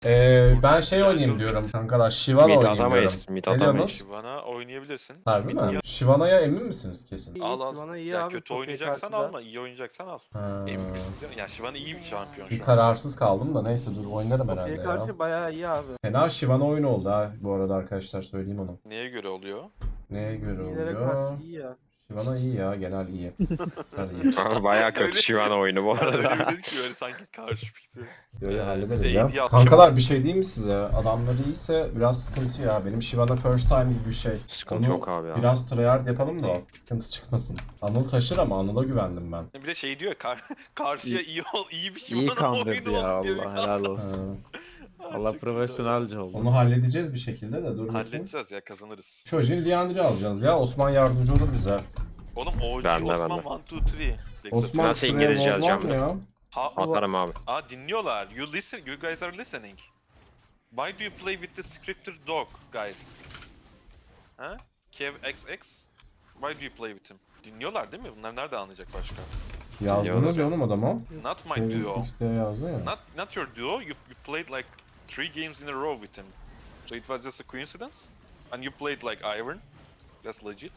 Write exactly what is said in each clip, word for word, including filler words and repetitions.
Ee, ben şey oynayayım diyorum kankalar. Shyvana Mid oynayayım diyorum. atamayız. Mid Ne atamayız. diyorsunuz? Shyvana oynayabilirsin. Harbi Mid mi? niye- Shyvana'ya emin misiniz kesin? İyi, Al al. Shyvana iyi Ya abi, kötü Poppy'ye oynayacaksan karşı da. alma, iyi oynayacaksan al. Ha, Emin misin diyor. Ya Shyvana iyi bir şampiyon bir şu an. kararsız kaldım da neyse dur oynarım herhalde Poppy'ye ya. karşı bayağı iyi abi. Fena Shyvana oyunu oldu ha bu arada arkadaşlar söyleyeyim onu. Neye göre oluyor? Neye göre İyilere oluyor? karşı iyi ya. Shyvana iyi ya genel iyi. Genel iyi. Bayağı kötü Öyle- Shyvana oyunu bu Öyle arada. bir dedik ki böyle sanki karşı fikri. Böyle Ee, hallederiz bir de ya. A D atacağım. Kankalar bir şey diyeyim mi size? Adamları iyiyse biraz sıkıntı ya. Benim Shyvana first time gibi bir şey. Sıkıntı Onu yok abi ya. biraz tryhard yapalım da sıkıntı çıkmasın. Anıl taşır ama Anıl'a güvendim ben. Bir de şey diyor ya, kar karşıya iyi ol, iyi bir İyi Shyvana kandırdı oyunu ya olsun diye bir Allah helal Ha, olsun. kar- Allah Çok profesyonelce oldu. onu halledeceğiz bir şekilde de dur iyi. bakayım. Halledeceğiz ya, kazanırız. Çocuğun Liandry'i alacağız ya. Osman yardımcı olur bize. Oğlum O G Ben de, ben Osman de. one two three. Osman Nasıl şuraya İngilizce mod var yazacağım mı ben? ya? Ha, Atarım abi. aa dinliyorlar. You listen, you guys are listening. Why do you play with the scripted dog, guys? Ha? Kev X X. Why do you play with him? Dinliyorlar değil mi? Bunlar nerede anlayacak başka? Yazdınız ya oğlum adama. Not my Kevin duo. Six diye yazdı ya. Not not your duo. You you played like three games in a row with him. So it was just a coincidence. And you played like Iron. That's legit.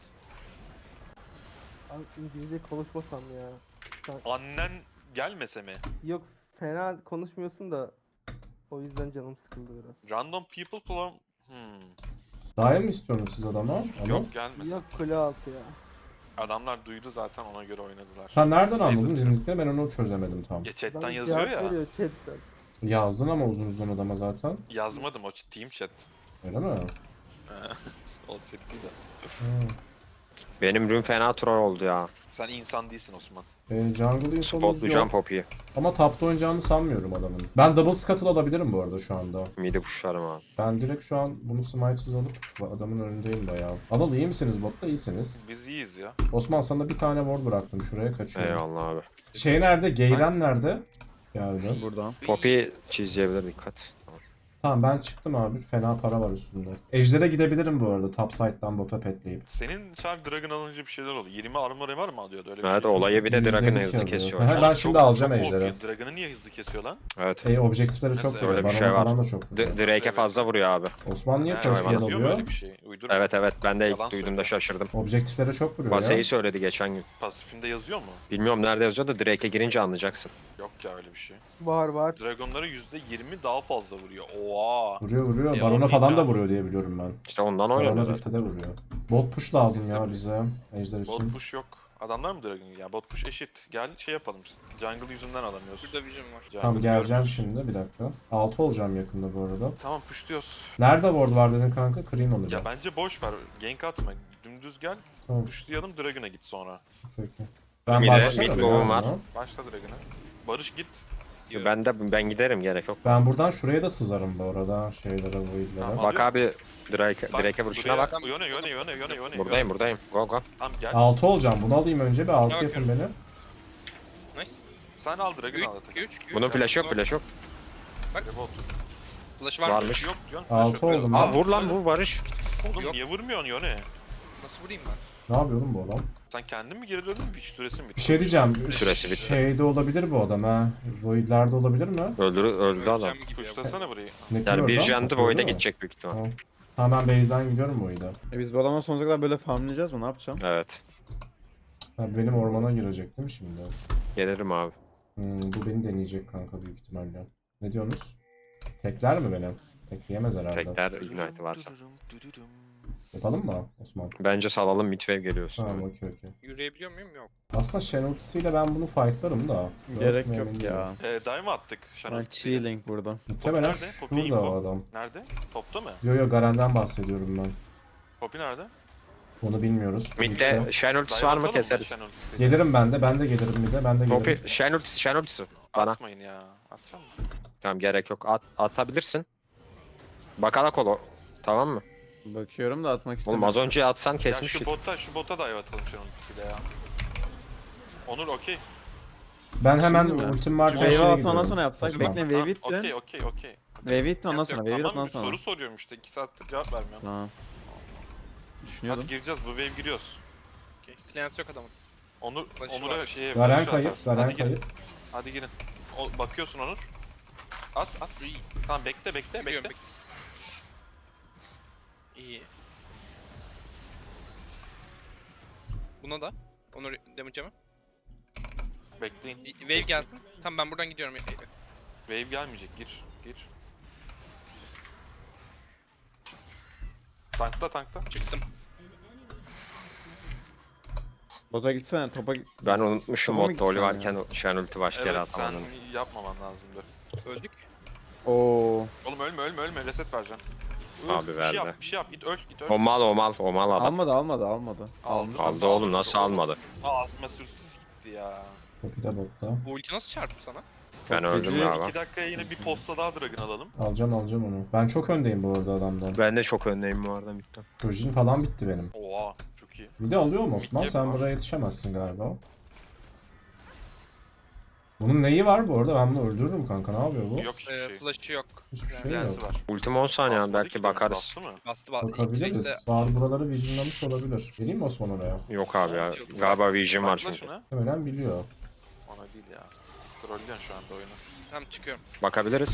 Abi İngilizce konuşmasam ya. Sen... Annen gelmese mi? Yok fena konuşmuyorsun da o yüzden canım sıkıldı biraz. Random people from... Hmm. Daim mi istiyorsunuz siz adama? Anıl? Yok gelmesin. Yok kule altı ya. Adamlar duydu zaten, ona göre oynadılar. Sen nereden Neyse. anladın dinlediklerini ben onu çözemedim tam. Ya chatten Bana yazıyor cevap ya. veriyor chatten. Yazdın ama uzun uzun adama zaten. Yazmadım, o ch- team chat. Öyle mi? O chat değil de. Hı. Benim rün fena troll oldu ya. Sen insan değilsin Osman. E, jungle infomuz Spotlayacağım yok. Poppy'yi. Ama tapta oynayacağını sanmıyorum adamın. Ben double scuttle alabilirim bu arada şu anda. Mid'i pushlarım abi. Ben direkt şu an bunu smite'sız alıp adamın önündeyim bayağı. Anıl iyi misiniz botta? İyisiniz. Biz iyiyiz ya. Osman sana bir tane ward bıraktım şuraya kaçıyorum. Eyvallah abi. Şey nerede? Geyren nerede? Geldi. Buradan. Poppy çizebilir, dikkat. Tamam ben çıktım abi. Fena para var üstünde. Ejder'e gidebilirim bu arada. Top side'dan bota petleyip. Senin şarj Dragon alınca bir şeyler oldu. yirmi armor var mı alıyordu öyle bir Evet şey? olayı bir de Yüzde Dragon'ı bir hızlı alıyor. kesiyor. Aha, hocam. ben Çok- şimdi alacağım çok Ejder'i. O P. Dragon'ı niye hızlı kesiyor lan? Evet. E objektifleri çok Nasıl? vuruyor. Öyle bir Barona şey var. falan da çok vuruyor. D- Drake'e fazla vuruyor abi. Osman niye Ha, first hayvan blood yazıyor mu alıyor? öyle bir şey? Uydurma. Evet evet, ben de ilk Yalan duyduğumda söylüyor. şaşırdım. Objektiflere çok vuruyor ya. Baseyi söyledi geçen gün. Pasifinde yazıyor mu? Bilmiyorum nerede yazıyor da Drake'e girince anlayacaksın. Yok ya öyle bir şey. Var var. Dragon'lara yüzde yirmi daha fazla vuruyor. Oha. Vuruyor vuruyor. E, Barona oğlum falan ya. da vuruyor diye biliyorum ben. İşte ondan Barona oynuyor zaten. Rift'e de vuruyor. Bot push lazım ya İstedim. bize. Ejder Bot için. push yok. Adamlar mı Dragon? Ya bot push eşit. Gel şey yapalım. Jungle yüzünden alamıyoruz. Burada vision var. Jungle Tamam geleceğim görmüyoruz. şimdi bir dakika. altı olacağım yakında bu arada. Tamam pushluyoruz. Nerede ward var dedin kanka? Clean Ya olacak. bence boş ver. Gank atma. Dümdüz gel. Tamam. Pushlayalım, Dragon'a git sonra. Okey, okey. Ben Bir de başlayayım mid ya boom var. buna. Başla Dragon'a. Barış git. Ben de ben giderim, gerek yok. Ben buradan şuraya da sızarım bu arada. Şeylere, voidlere. Tamam. Bak abi Drake, Drake'e vuruşuna bak. Yöne yöne yöne yöne yöne. Buradayım buradayım. Go go. Tamam gel. altı olacağım. Bunu alayım önce bir altı Şuna yapın beni. Nice. Sen al Dragon'ı al. üç, üç, üç. Bunun flash yok, flash yok. Rebot. Flash var mı? Varmış. Yok diyorsun. altı Yok. oldum Aa ben. vur lan vur Barış. Oğlum Yok. niye vurmuyorsun yöne? Nasıl vurayım ben? Ne yapıyorum bu adam? Sen kendin mi geri döndün? Bir süresin bitti. Bir şey diyeceğim. Süresi bitti. Şeyde olabilir bu adam ha. Void'lerde olabilir mi? Öldür öldü adam. Öleceğim gibi ya. Pushlasana burayı. Ne Yani bir jandı Öyle void'e mi? gidecek büyük ihtimal. Tamam. Tamam ben base'den gidiyorum Void'e. E biz bu adamla sonsuza kadar böyle farmlayacağız mı? Ne yapacağım? Evet. Ha, benim ormana girecek değil mi şimdi? Gelirim abi. Hmm, bu beni deneyecek kanka büyük ihtimalle. Ne diyorsunuz? Tekler mi beni? Tekleyemez herhalde. Tekrar ignite varsa. Yapalım mı Osman? Bence salalım, midwave geliyorsun. Tamam okey okey. Yürüyebiliyor muyum? Yok. Aslında Shen ultisiyle ben bunu fightlarım da. Gerek Yok, yok emin ya. Eee dive mi attık? Ben Şenol. chilling burada. Muhtemelen Nerede? Poppy şurada info. o adam. Nerede? Topta mı? Yo yo Garen'den bahsediyorum ben. Poppy nerede? Onu bilmiyoruz. Mid'de Birlikte. Shen ultisi Dive var mı atalım keseriz. Şenol ultisi? Gelirim ben de. Ben de gelirim bir de. Ben de Poppy, gelirim. Shen ultisi, Shen ultisi. Bana. Atmayın ya. Atsana. Tamam gerek yok. At, atabilirsin. Bakala kolo. Tamam mı? Bakıyorum da atmak Oğlum istemiyorum. az önce atsan Ya kesmiştik. şu bota, şu bota dive atalım Şenol ultisiyle ya. Onur okey. Ben hemen Şimdi mi? ultim varken Wave şeye atma ondan gidiyorum. sonra yapsak. Osman. Bekle Tamam, wave itti. Okey okey okey. Wave itti ondan Yok, sonra. yok, Wave Tamam attan bir sonra. soru soruyorum işte. iki saattir cevap vermiyorum. Tamam. Düşünüyordum. Hadi gireceğiz, bu wave giriyoruz. Okay. Clans yok adamın. Onur, Flash'ı Onur'a var. şeye Garen flash kayıp. atarsın. Garen Hadi girin. kayıp. Hadi girin. O, bakıyorsun Onur. At at. Tamam bekle bekle Biliyorum, bekle. İyi. Buna da. Onu damage mi? Bekleyin. Wave gelsin. Tamam ben buradan gidiyorum. Wave gelmeyecek. Gir. Gir. Tankla tankla. Çıktım. Bota gitsene topa git. Ben unutmuşum Tamam, modda Oli gitsen varken o Shen ulti başka yere Evet sen atamadım. yapmaman lazımdı. Öldük. Oo. Oğlum ölme ölme ölme reset vereceğim. Abi bir şey verdi. yap bir şey yap git öl git öl. O mal o mal o mal adam. Almadı almadı almadı. Aldı. Aldı oğlum nasıl almadı? Aa atması ultisi gitti ya. Poppy de botta. Bu ulti nasıl çarptı sana? Ben Çok öldüm feci. galiba. iki dakikaya yine bir posta daha Dragon alalım. Alacağım alacağım onu. Ben çok öndeyim bu arada adamdan. Ben de çok öndeyim bu arada bitti. Projin falan bitti benim. Oha çok iyi. Bir de alıyor mu Osman? Bitti Sen mi? buraya yetişemezsin galiba. Bunun neyi var bu arada? Ben bunu öldürürüm kanka. Ne yapıyor bu? Yok hiçbir Ee, şey. flash'ı yok. Hiçbir şey Lensi yok. var. Ultim on saniye Basmadı belki ki bakarız. Bastı mı? Bastı bastı. Bakabiliriz. İlk Bazı buraları visionlamış olabilir. Vereyim mi Osman oraya? Yok abi ya. Galiba Vision var Bakla çünkü. şuna. Ölen biliyor. Ona değil ya. Trollüyorsun şu anda oyunu. Tamam çıkıyorum. Bakabiliriz.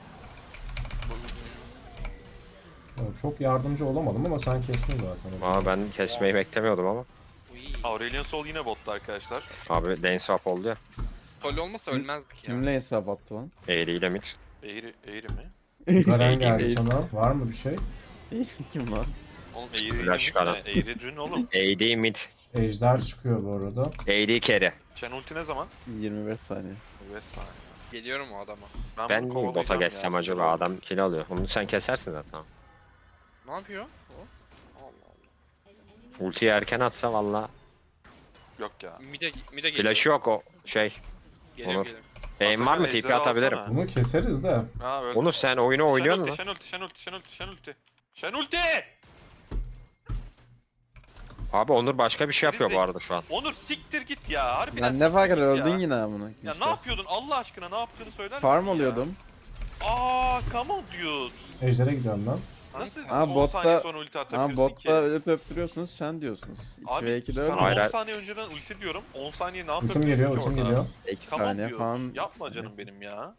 Evet, çok yardımcı olamadım ama sen kestin zaten. Aa ben kesmeyi beklemiyordum ama. Uy. Aurelion Sol yine botta arkadaşlar. Abi lane swap oldu ya. Tolly olmasa ölmezdik ya. Kimle hesap attı lan? Eğriyle mid. Eğri, eğri mi? Garen geldi Değil. sana. Var mı bir şey? Kim lan? Oğlum eğri Flash mi? karan. Ne? Eğri dün oğlum. A D mid. Ejder çıkıyor bu arada. A D carry. Chen ulti ne zaman? yirmi beş saniye. beş saniye. Geliyorum o adama. Ben bunu niye bota kovalayacağım ya, geçsem sinir acaba oldum. adam kill alıyor. Onu sen kesersin zaten. Ne yapıyor? O? Allah Allah. Ultiyi erken atsa valla. Yok ya. Mide, mide geliyor. Flash'ı yok o şey. Geliyor Onur. geliyor. Aim var mı? Atakan, T P ejderi atabilirim. alsana. Bunu keseriz de. Ha öldü. Onur sen oyunu oynuyor Shen musun? ulti, Shen ulti, Shen ulti, Shen ulti, Shen ulti. Shen ulti! Abi Onur başka bir şey yapıyor bu arada şu an. Onur siktir git ya. Harbiden Lan ne fark eder siktir git öldün ya. yine amına. Ya ne yapıyordun Allah aşkına ne yaptığını söyler Farm misin ya? alıyordum. Aa come on dude. Ejder'e gidiyorum ben. Nasıl Ha, on botta- saniye sonra ulti Ha atabilirsin botta ki? ölüp öptürüyorsunuz sen diyorsunuz. iki ve Abi ikide sana öyle. Hayır, on hayır. saniye önceden ulti diyorum. on saniye ne Ultim yapabilirsin geliyor, ki ultim orada? geliyor. iki Come on saniye dude. falan. Yapma canım benim ya.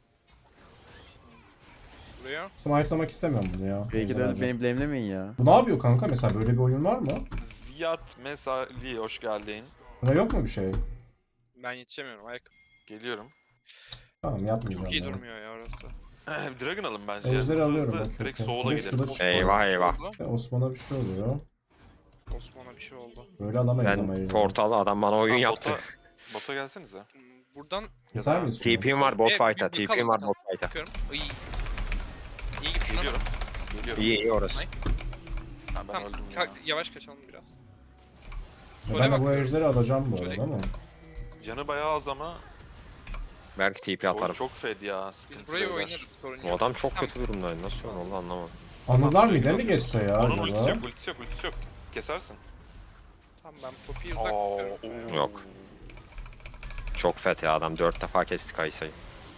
Buraya. Smite'lamak istemiyorum bunu ya. Belki de Ejder ölüp beni blame'lemeyin ya. Bu ne yapıyor kanka? Mesela böyle bir oyun var mı? Ziyad Mesali hoş geldin. Buna yok mu bir şey? Ben yetişemiyorum. Ayak. Geliyorum. Tamam yapmayacağım. Çok iyi ya. durmuyor ya orası. Dragon alın bence. Ejderi Hızlı alıyorum, hızlı. okey, Direkt okey. soğula Bir de gidelim. şurada çıkıyor. Eyvah eyvah. Ya Osman'a bir şey oluyor. Osman'a bir şey oldu. Böyle alamayız ama Ben Ejder'i. portal adam bana oyun Tamam, yaptı. Bota, bota gelsenize. Hmm, Buradan Keser miyiz? T P'm var bot Bir- fight'a. bir- bir T P'm kalın, var kalın. bot fight'a. bakıyorum. İyi. İyi gibi şuna. Geliyorum. Geliyorum. İyi iyi orası. Ay. Ha, ben Tamam. öldüm ka- ya. yavaş kaçalım biraz. Ya Sole ben de bu bakıyorum. Ejder'i alacağım bu Şöyle- arada ama. Canı bayağı az ama Belki T P çok, atarım. çok fed ya. Sıkıntı Biz burayı beyler. oynarız. Sorun Bu yok. adam çok Tamam. kötü durumdaydı. Nasıl öyle oldu anlamadım. Anılar mıydı mi geçse ya Onun ultisi acaba? yok, ultisi yok, ultisi yok. Kesersin. Tamam ben Poppy'yi uzak Aa, tutuyorum. oo. Yok. Çok fet ya adam. Dört defa kesti Kaysa'yı.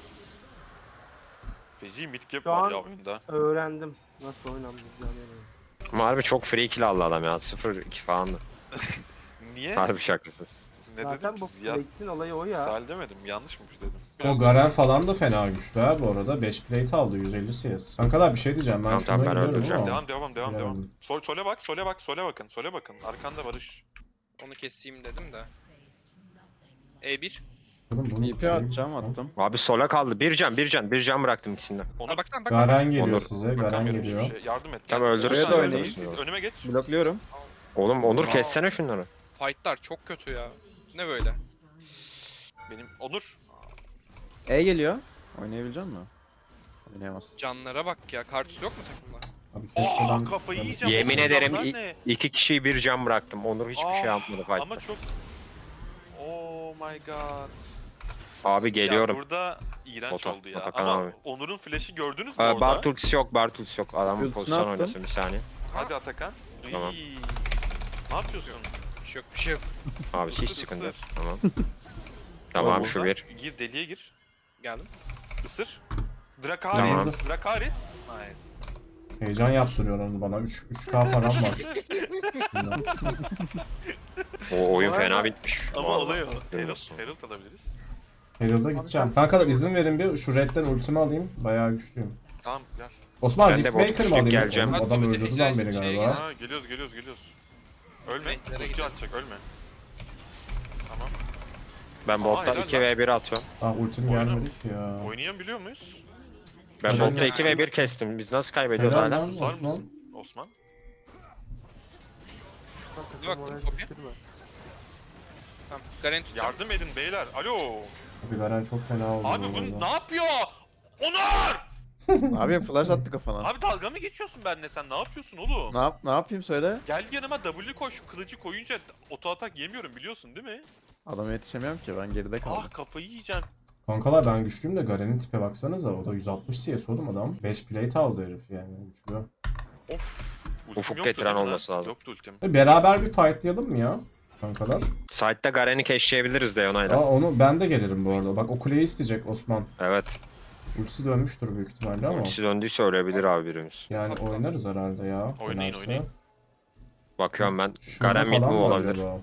Feci mid cap Şu var an- ya oyunda. Öğrendim nasıl oynandığını. Ama harbi çok free kill aldı adam ya. sıfır iki falandı. Niye? Harbi şakasız. Ne Zaten dedim? bu Ziyad Flex'in olayı o ya. Sal demedim, yanlış mı dedim? O Garen falan da fena güçlü ha bu arada. beş plate aldı yüz elli C S. Kankalar bir şey diyeceğim ben Tamam, şuna tamam, ben gidiyorum öldüreceğim. ama. Devam, devam, devam, devam. Bilemedim. Sol, sole bak, sole bak, sole bakın, sole bakın. Arkanda Barış. Onu keseyim dedim de. E bir. Oğlum bunun T P şey- atacağım attım. Abi sola kaldı. Bir can bir can. Bir can bıraktım ikisinden. Onu Ha baksana bak. Garen geliyor Onur. size. Garen bakamıyorum geliyor. hiçbir şey. Yardım et. Tamam, öldürüyor Önüme da geç, oynayın. Önüme geç. Blokluyorum. Oğlum Onur Aa. kessene şunları. Fight'lar çok kötü ya. Ne böyle? Benim Onur. E geliyor. Oynayabilecek misin? Oynayamaz. Canlara bak ya. Kartuş yok mu takımda? Abi keşke Aa ben... kafayı ben- yiyeceğim. Yemin Oğlum, ederim adamlar i- ne? iki kişiyi bir can bıraktım. Onur hiçbir Aa, şey yapmadı fight'ta. Ama çok... Oh my god. Abi geliyorum. Ya burada iğrenç Bota, oldu ya. Atakan Ama abi. Onur'un flash'i gördünüz mü Aa, orada? Bart ultisi yok. Bart ultisi yok. Adamın Ultisini pozisyon attım. oynasın bir saniye. Hadi Atakan. Tamam. Iy. Ne yapıyorsun? Bir şey yok bir şey yok. Abi hiç Isır, sıkıntı yok. ısır. Tamam. Tamam şu Orada bir. Gir deliğe gir. Geldim. Isır. Drakaris. Tamam. Drakaris. Nice. Heyecan yaptırıyor onu bana. üç K param var. O oyun Bu fena arada- bitmiş. Ama Vallahi. oluyor. Duymasın. Herald, Herald alabiliriz. Herald'a gideceğim. Kankalar izin verin bir şu redden ultimi alayım. Bayağı güçlüyüm. Tamam gel. Osman Ben de Rift bot Maker mı düştük, alayım? geleceğim. Oğlum, Hadi Adam bir de öldürdü lan ejder beni şeye galiba. Ha geliyoruz geliyoruz geliyoruz. Ölme. Nereye Ulti gidelim? atacak ölme. Tamam. Ben Aa, botta helal iki lan. ve bir atıyorum. Ah ultim Oyna. gelmedi ki ya. Oynayabiliyor muyuz? Ben Helal botta lan. iki ve bir kestim. Biz nasıl kaybediyoruz Helal hala? lan Susar Osman. mısın? Osman. Bir baktım kopya. Tamam. Garen tutacağım. Yardım edin beyler. Alo. Bir Garen çok fena oldu. Abi bu bu arada. ne yapıyor? Onur! Abi flash attı kafana. Abi dalga mı geçiyorsun benimle sen? Ne yapıyorsun oğlum? Ne yap ne yapayım söyle. Gel yanıma W koy şu kılıcı koyunca oto atak yemiyorum biliyorsun değil mi? Adama yetişemiyorum ki ben geride kaldım. Ah kafayı yiyeceğim. Kankalar ben güçlüyüm de Garen'in tipe baksanıza. O da yüz altmış C S oğlum adam. beş plate aldı herif yani güçlü. Of. Ultim Ufuk yoktu getiren değil mi lan? olması lazım. Yoktu ultim. E, beraber bir fightlayalım mı ya? Kankalar. Side'da Garen'i keşleyebiliriz de Aa, Leona'yla. onu ben de gelirim bu arada. Bak o kuleyi isteyecek Osman. Evet. Ultisi dönmüştür büyük ihtimalle ama. Ultisi döndüyse ölebilir abi birimiz. Yani Tabii, oynarız herhalde ya. Oynayın, Dönerse. oynayın. Bakıyorum ben. Şurada Garen mid falan mi var olabilir? acaba?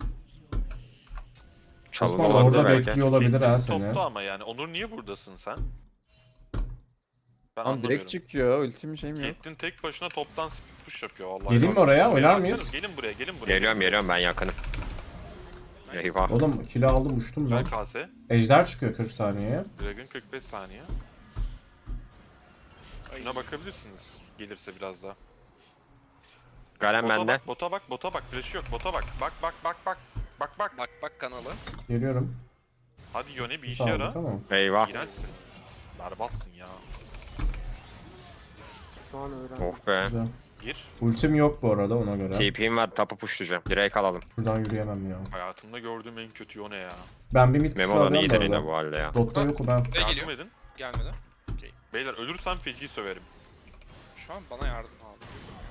Çalım Osman olabilir orada belki. bekliyor olabilir ha seni. Topta ama yani. Onur niye buradasın sen? Ben Lan anlamıyorum. direkt çıkıyor ultim şeyim yok. Caitlyn tek başına toptan push yapıyor vallahi. Geleyim mi bak. oraya? Oynar Baksanız, mıyız? Gelin buraya, gelin buraya. Geliyorum geliyorum ben yakınım. Eyvah. Oğlum kilo aldım uçtum ben. Ben K S. Ejder çıkıyor kırk saniyeye. Dragon kırk beş saniye. Şuna bakabilirsiniz. Gelirse biraz daha. Garen Bota bende. bak, bota bak, bota bak. Flash yok. Bota bak. Bak bak bak bak. Bak bak. Bak bak kanalı. Geliyorum. Hadi Yone bir işe Sağlık yara. ama. Eyvah. İğrençsin. Berbatsın ya. Şu an öğrendim. Oh be. Güzel. Gir. Ultim yok bu arada ona göre. T P'm var tapu pushlayacağım. Direkt alalım. Şuradan yürüyemem ya. Hayatımda gördüğüm en kötü Yone ya. Ben bir mid Memo tuşu da alıyorum iyidir bu yine arada. bu halde ya. Botta yok o ben. Buraya Yardım geliyor. edin. Gelmedi. Okey. Beyler ölürsem feci söverim. Şu an bana yardım abi.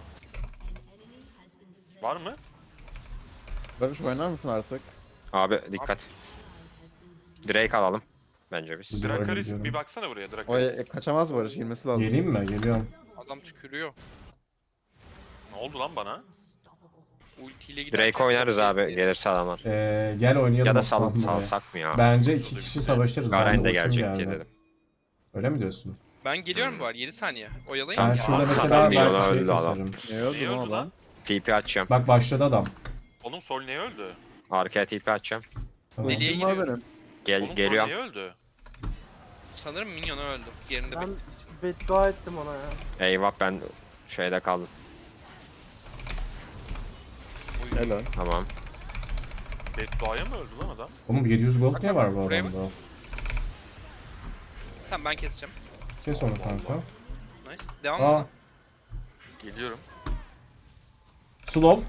Var mı? Barış oynar mısın artık? Abi dikkat. Drake alalım. Bence biz. Gidiyorum, Drakaris gidiyorum. bir baksana buraya O Drakaris. e, kaçamaz Barış girmesi lazım. Geleyim mi? Geliyorum. Adam tükürüyor. Ne oldu lan bana? Ultiyle giderken... Drake oynarız abi gelirse adamlar. Ee, gel oynayalım. Ya da Osman sal, buraya. salsak mı ya? Bence iki kişi savaşırız. Garen Bende de ultim gelecek diye geldi. dedim. Öyle mi diyorsun? Ben geliyorum bu arada yedi saniye. Oyalayın. Ben ya. şurada Adam mesela bir yola ben şey öldü adam. keserim. Ne oldu Niye lan öldü adam? lan? T P açacağım. Bak başladı adam. Oğlum Sol niye öldü? Arkaya T P açacağım. Tamam. Deliye Ultim var giriyorum. benim. Gel Oğlum Sol geliyorum. niye öldü? Sanırım minyonu öldü. Yerinde Ben bekliyor. beddua ettim ona ya. Eyvah ben şeyde kaldım. Helal. Tamam. Beddua'ya mı öldü lan adam? Oğlum yedi yüz gold Bak, niye bak, var bu buraya adamda? Tamam ben keseceğim. Kes onu kanka. Nice. Devam Aa, mı? Geliyorum. slow.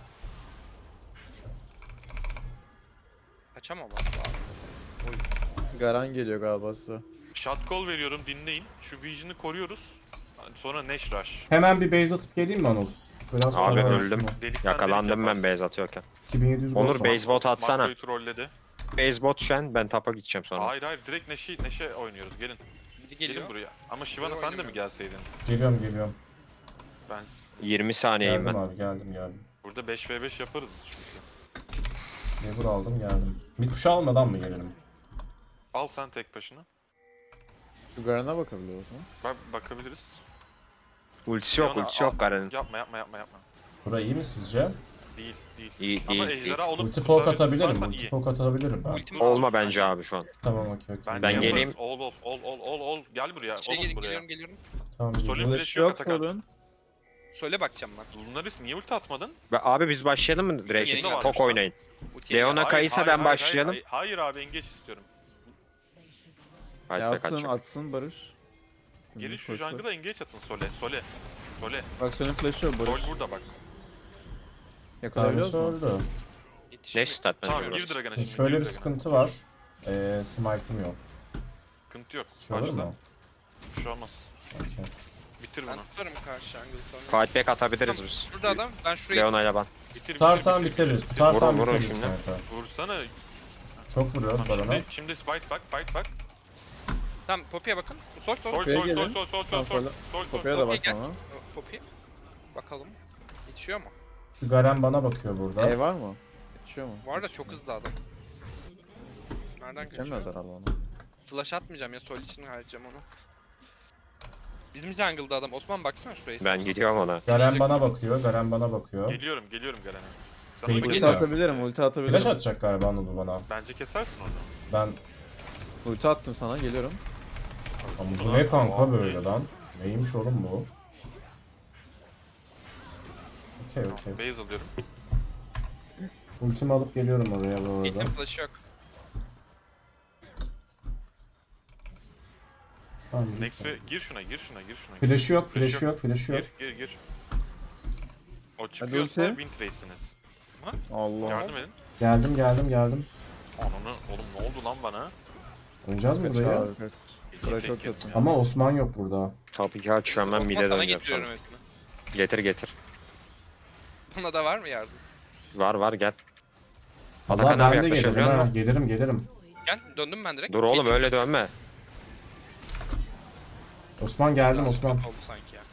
Kaçamam abi. Garen geliyor galiba size. Shot call veriyorum dinleyin. Şu Vision'ı koruyoruz. Sonra Neş Rush. Hemen bir base atıp geleyim mi Anıl? Biraz Abi para öldüm. versin. Delikten Yakalandım delik ben yaparsın. base atıyorken. iki bin yedi yüz gold Onur var. base bot atsana. Makroyu trolledi. Base bot şen ben tapa gideceğim sonra. Hayır hayır direkt Neşe, Neşe oynuyoruz gelin. Biri Gelin geliyor. buraya. Ama Shyvana sen de mi oynamıyor. gelseydin? Geliyorum geliyorum. Ben yirmi saniyeyim Geldim ben. abi geldim geldim. burada beş ve beş yaparız çünkü. Lever aldım geldim. Mid push almadan mı gelelim? Al sen tek başına. Şu Garen'e bakabiliyoruz mu? Bak bakabiliriz. Ultisi yok Leona, ultisi yok al. Garen'in. Yapma yapma yapma yapma. Bura iyi mi sizce? Değil değil. İyi Ama değil değil. ejderha olup Ulti bu poke sefer atabilirim. tutarsan Ulti iyi. poke atabilirim ben. Ultim Olma aldım. bence abi şu an. Tamam okey okey. Bence Ben yaparız. geleyim. Ol ol ol ol ol ol. Gel buraya. Şey Oğlum gel- buraya. geliyorum geliyorum. Tamam Solid geliyorum. flash Flash yok yok Atakan. sorun. Söyle bakacağım ben. Lunaris niye ulti atmadın? Be- Abi biz başlayalım mı Yeni Drake'e? gelmiş Tok lan. oynayın. Ultiye Leona gel. Kayısa ben başlayalım. Hayır, hayır abi engage istiyorum. Hadi Ya be atsın kaçacak. atsın Barış. Gelin şu Koş, koş. jungle'a engage atın Sole. Sole. Sole. Bak senin flash'ı yok Sol Barış. burada bak. Yakalayabiliyoruz Tanrısı mu? öldü. Ne Yetişmiyor. stat Tamam bence gir burası. Dragon'a şimdi. Şöyle gir bir Dragon'a. sıkıntı var. Ee, smite'ım yok. Sıkıntı yok. Şu olur Başla. mu? Bir şey olmaz. Okey. Bitir Ben bunu. tutarım karşı angle sonra. Fight back atabiliriz biz. Şurada adam. Ben şuraya Leona ile ben. Bitir bitir. Tutarsan bitir, bitiririz. bitir. Tutarsan Vurun, vurun bitiririz şimdi. kanka. Vursana. Çok vuruyor Tamam, bana. şimdi, şimdi fight bak, fight bak. Tamam Poppy'ye bakın. Sol sol. Sol, Kopya sol, sol, gelin. sol, sol, sol, Tamam, sol, sola. sol, sol. Kopya da Kopya bak gel. ama. Poppy. Bakalım. Yetişiyor mu? Şu Garen bana bakıyor burada. E var mı? Yetişiyor mu? Bu arada çok hızlı adam. Nereden Geçemez kaçıyor? herhalde onu. Flash atmayacağım ya sol için harcayacağım onu. Bizim jungle'da adam. Osman baksana şuraya. Ben gidiyorum ona. Garen bana bakıyor. Garen bana bakıyor. Geliyorum, geliyorum Garen'e. Sana Peki, da Ulti geliyor. geliyorum. atabilirim, ulti atabilirim. Flash atacak galiba Anadolu bana. Bence kesersin onu. Ben... Ulti attım sana, geliyorum. Ama bu ne kanka böyle lan? Neymiş oğlum bu? Okey okey. Base alıyorum. Ultimi alıp geliyorum oraya bu Gate'in arada. flash'ı yok. Tamam, Next git. ve gir şuna, gir şuna, gir şuna. Flash'ı yok, Flash flash'ı yok, flash'ı yok. Gir, gir, gir. O çıkıyorsa ulti. win trace'siniz. Allah. Yardım edin. Geldim, geldim, geldim. Ananı, oğlum ne oldu lan bana? Oynayacağız mı Kaç burayı? abi, kaç. Buraya çok Tek kötü. yedim ya. Ama Osman yok burada. Tabii ki açıyorum ben Osman mide sana döneceğim getiriyorum sonra. hepsini. Getir getir. Buna da var mı yardım? Var var gel. Valla Atakan abi ben de gelirim yaklaşabiliyor ha. musun? Gelirim, gelirim. Gel döndüm ben direkt. Dur oğlum Gate'in öyle flash'ı dönme. Osman geldim biraz Osman. kötü oldu sanki ya.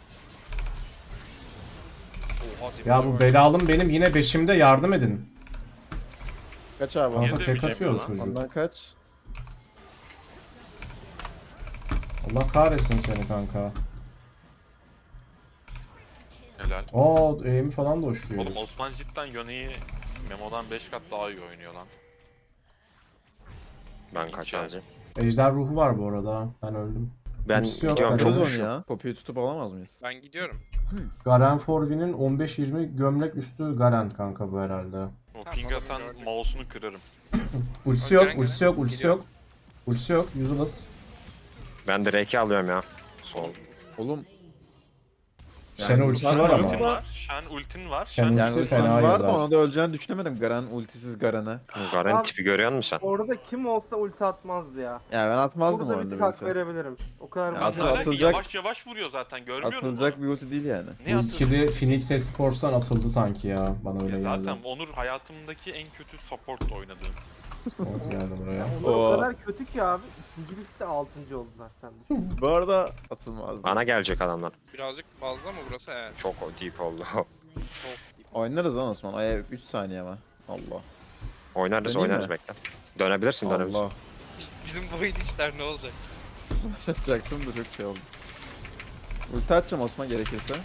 Oha, Ya dibine bu bak. belalım benim yine beşimde yardım edin. Kaç abi? Kanka Niye tek demeyeceğim atıyor ya? çocuk. Ondan kaç? Allah kahretsin seni kanka. Helal. Oo, aim falan da uçuyor. Oğlum Osman cidden Yone'yi Memo'dan beş kat daha iyi oynuyor lan. Ben kaçacağım. Ejder ruhu var bu arada. Ben öldüm. Ben Ultisi yok, gidiyorum ben çok öldüm. Alırız onu uçuyor. ya. Poppy'yi tutup alamaz mıyız? Ben gidiyorum. Garen Forvin'in on beş yirmi gömlek üstü Garen kanka bu herhalde. O Tamam, ping oğlum, atan gördüm. mouse'unu kırarım. Ultisi Garen, yok, Garen. ultisi yok, ultisi Geliyor. yok. Ultisi yok, useless. Ben Drake'i alıyorum ya. Sol. Oğlum Shen ultisi var ama. Ultin var. Shen ultin var. Shen Shen ulti yani Ultisi ultim fena var yazar. da ona da öleceğini düşünemedim. Garen ultisiz Garen'e. Garen Abi- tipi görüyor musun sen? Orada kim olsa ulti atmazdı ya. Ya ben atmazdım Burada bir orada tık bir hak ulti. verebilirim. O kadar Ya ben- atı- Ne alaka? atılacak- Yavaş yavaş vuruyor zaten görmüyor musun? Atılacak bir ulti değil yani. Ne Bu atılacak? ikili Phoenix Esports'tan atıldı sanki ya. Bana öyle Ya geldi. zaten Onur hayatımdaki en kötü support oynadığım. Oh, geldi buraya. Onlar o Oo. kadar kötü ki abi. İkincilikte altıncı oldular sen düşün. Bu arada atılmazdı. Bana gelecek adamlar. Birazcık fazla mı burası? Evet. Çok deep oldu. Çok iyi. Oynarız lan Osman. Ay üç saniye ama. Allah. oynarız Döneyim oynarız mi? bekle. Dönebilirsin dönebilirsin. Allah. Bizim bu oyun işler ne olacak? Başlatacaktım da çok şey oldu. Ulti atacağım Osman gerekirse.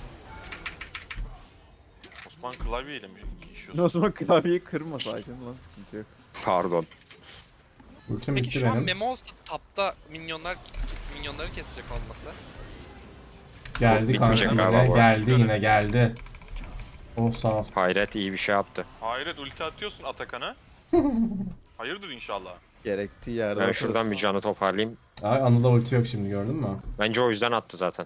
Osman klavyeyle mi işiyorsun? Osman klavyeyi kırma sakin lan sıkıntı yok. Pardon. Ultim Peki bitti şu an benim. Memo olsa tapta minyonlar minyonları kesecek olmasa. Geldi kanka Bitmeyecek yine. galiba bu. Geldi yine geldi. Oh sağ ol. Hayret iyi bir şey yaptı. Hayret ulti atıyorsun Atakan'a. Hayırdır inşallah. Gerektiği yerde Ben atarız. şuradan bir canı toparlayayım. Ay Anıl'da ulti yok şimdi gördün mü? Bence o yüzden attı zaten.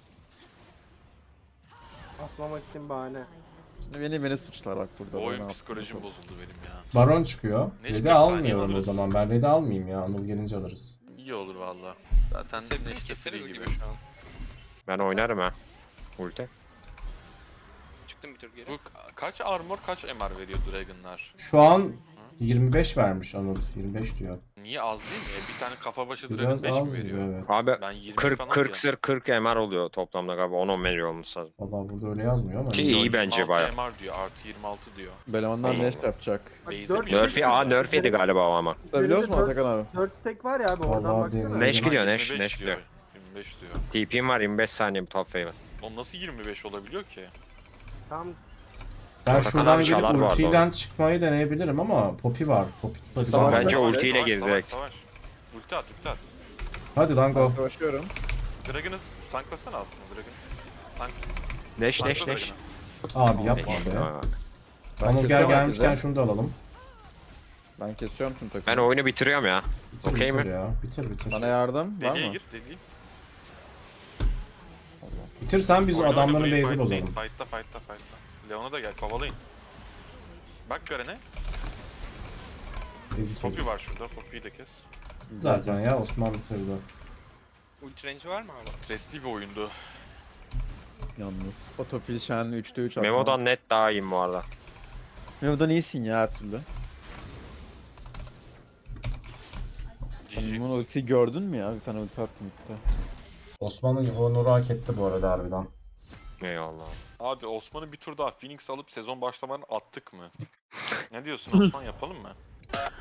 Atmamak için bahane. Şimdi beni beni suçlar bak burada. Bu Ben oyun ne psikolojim yaptım? bozuldu benim ya. Baron çıkıyor. Ne Red'i çıkıyor? almıyorum Saniye o alırız. zaman. Ben Red'i almayayım ya. Anıl gelince alırız. İyi olur valla. Zaten Sebzeni Neşte keseriz free gibi şu an. Ben oynarım ha. Ulti. Çıktım bir tur geri. Bu ka- kaç armor kaç M R veriyor Dragon'lar? Şu an yirmi beş vermiş Anıl. yirmi beş diyor. Niye az değil mi? E, bir tane kafa başı Biraz Dragon beş az mi gibi veriyor? evet. Abi Ben yirmi kırk falan kırk diyor. sır kırk M R oluyor toplamda galiba. on on veriyor olması lazım. Valla burada öyle yazmıyor ama. Ki bilmiyorum. iyi bence yirmi altı baya. M R diyor, artı yirmi altı diyor. Belemanlar Allah neş Allah. yapacak. Bak, Base'e dört- bir- Nerf'i aa nerf yedi galiba o ama. Biliyor musun dört- Atakan abi? dört stack var ya abi oradan Vallahi baksana. demiyorum. Neş Yirmi gidiyor beş Neş. Neş diyor. gidiyor. yirmi beş diyor. T P'm var yirmi beş saniye bu top favorite. Oğlum nasıl yirmi beş olabiliyor ki? Tam Ben Atakan şuradan abi gelip çalar bu arada ultiyle çıkmayı deneyebilirim ama Poppy var. Poppy tutabilir. Savaş- Bence Savaş- ultiyle Savaş, gir savaş, direkt. savaş. Ulti at, ulti at. Hadi lan go. Savaşıyorum. Dragon'ı tanklasana aslında Dragon. Tank, Neş neş tankla neş. Dragon'ı. Abi yapma Peki, be. tamam. Ben Anıl gel kesiyorum gelmişken herkese. şunu da alalım. Ben kesiyorum tüm takımı. Ben oyunu bitiriyorum ya. Bitir Okey bitir mi? ya. Bitir bitir. Bana yardım var Deliye mı? gir, deliye. Bitir sen biz o Oyna, oyna, adamların burayı base'i fightlayın. bozalım. Fight'ta, fight'ta, fight'ta. Leon'a da gel, kovalayın. Bak Garen'e. Ezik Poppy herif. var şurada, Poppy'yi de kes. Zaten ya Osman bitirdi. Ulti range'i var mı abi? Stresli bir oyundu. Yalnız. Otofil Shen'le üçte üç atma. Memo'dan net daha iyiyim bu arada. Memo'dan iyisin ya her türlü. Sen G G. Memo'nun ultiyi gördün mü ya? Bir tane ulti attım ilk Osman'ın honoru hak etti bu arada harbiden. Eyvallah. Abi Osman'ı bir tur daha Phoenix alıp sezon başlamadan attık mı? Ne diyorsun Osman, yapalım mı?